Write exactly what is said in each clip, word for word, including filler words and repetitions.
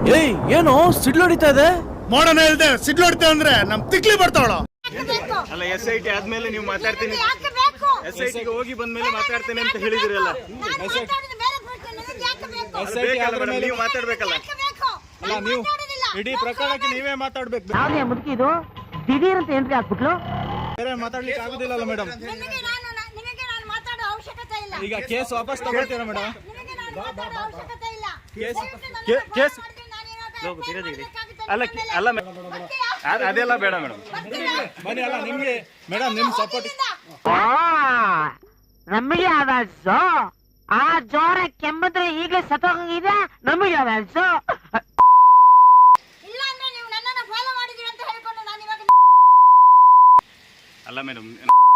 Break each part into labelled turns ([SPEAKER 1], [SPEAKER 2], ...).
[SPEAKER 1] ಏಯ್ ಏನೋ ಸಿಡ್ಲು ಹೊಡಿತಾ ಇದೆ.
[SPEAKER 2] ಮಾಡೋಣ ಹೇಳ್ದೆ ಸಿಡ್ಲು ಹೊಡಿತಾ ಅಂದ್ರೆ ನಮ್ ತಿಕ್ಲಿ ಬರ್ತಾವಳ.
[SPEAKER 3] ಅಲ್ಲ ಎಸ್ ಐ ಟಿ ಆದ್ಮೇಲೆ ನೀವು ಮಾತಾಡ್ತೀನಿ, ಎಸ್ ಐ ಟಿಗೆ ಹೋಗಿ ಬಂದ್ಮೇಲೆ ಮಾತಾಡ್ತೇನೆ ಅಂತ ಹೇಳಿದಿರಲ್ಲ. ನೀವು ಮಾತಾಡ್ಬೇಕಲ್ಲ.
[SPEAKER 2] ಅಲ್ಲ ನೀವು ಇಡೀ ಪ್ರಕರಣಕ್ಕೆ ನೀವೇ ಮಾತಾಡ್ಬೇಕು.
[SPEAKER 4] ಮುದುಕಿದು ದಿಢೀರ್ ಅಂತ ಎಂಟ್ರಿ ಹಾಕ್ಬಿಟ್ಲು.
[SPEAKER 2] ಬೇರೆ ಮಾತಾಡ್ಲಿಕ್ಕೆ ಆಗುದಿಲ್ಲ ಮೇಡಮ್. ಈಗ ಕೇಸ್ ವಾಪಸ್ ತಗೊಳ್ತೀರಾ ಮೇಡಮ್? ಕೇಸ್
[SPEAKER 3] ಅಲ್ಲ ಅಲ್ಲ ಅದೆಲ್ಲ ಬೇಡ ಮೇಡಮ್.
[SPEAKER 2] ಬನ್ನಿ. ಅಲ್ಲ ನಿಮ್ಗೆ ಮೇಡಮ್ ನಿಮ್ ಸಪೋರ್ಟ್
[SPEAKER 4] ನಮಗೆ ಆದಲ್ಸು. ಆ ಜೋರ ಕೆಮ್ಮಿದ್ರೆ ಈಗಲೇ ಸತ್ತೋಗಂಗಿದೆ. ನಮಗೆ ಆದಲ್ಸು.
[SPEAKER 3] ಅಲ್ಲ ಮೇಡಮ್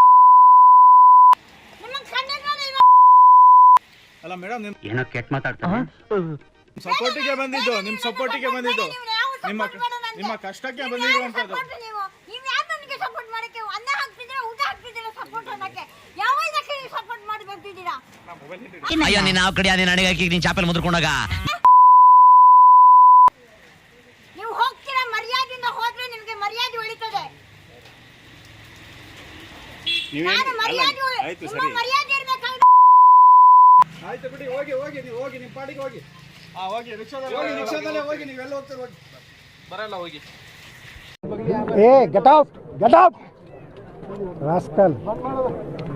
[SPEAKER 2] ಅಲ್ಲ ಮೇಡಮ್ ನಿಮ್
[SPEAKER 5] ಏನೋ ಕೆಟ್ಟ ಮಾತಾಡ್ತಾರೆ.
[SPEAKER 2] ಸಪೋರ್ಟಿಗೆ ಬಂದಿದ್ದು, ನಿಮ್ ಸಪೋರ್ಟಿಗೆ ಬಂದಿದ್ದು, ನಿಮ್ಮ ನಿಮ್ಮ ಕಷ್ಟಕ್ಕೆ ಬಂದಿರುವಂತದ್ದು.
[SPEAKER 5] ಅಯ್ಯೋ ನೀನ್ ಯಾವ ಕಡೆ ನೀನ್ ಅಡಿಗೆ ಹಾಕಿ ನೀನ್ ಚಾಪೆಲ್ ಮುದ್ರಕೊಂಡಾಗ
[SPEAKER 6] ನೀವು ಹೋಗ್ತೀರಾ, ಮರ್ಯಾದೆಯಿಂದ ಹೋದ್ರೆ ನಿಮ್ಗೆ ಮರ್ಯಾದೆ ಉಳಿತದೆ.
[SPEAKER 3] ಆಯ್ತು ಸರಿ
[SPEAKER 2] ಆಯ್ತು ಬಿಡಿ, ಹೋಗಿ ಹೋಗಿ ನೀವು ಹೋಗಿ ನಿಮ್ಮ ಪಾಡಿಗೆ ಹೋಗಿ. ಹಾ ಹೋಗಿ ರಿಕ್ಷಾದಲ್ಲಿ ಹೋಗಿ, ರಿಕ್ಷಾದಲ್ಲೇ ಹೋಗಿ. ನೀವೆಲ್ಲ ಹೋಗ್ತೀರ ಹೋಗಿ, ಬರಲ್ಲ ಹೋಗಿ.
[SPEAKER 7] Hey, get out! Get out! Rascal!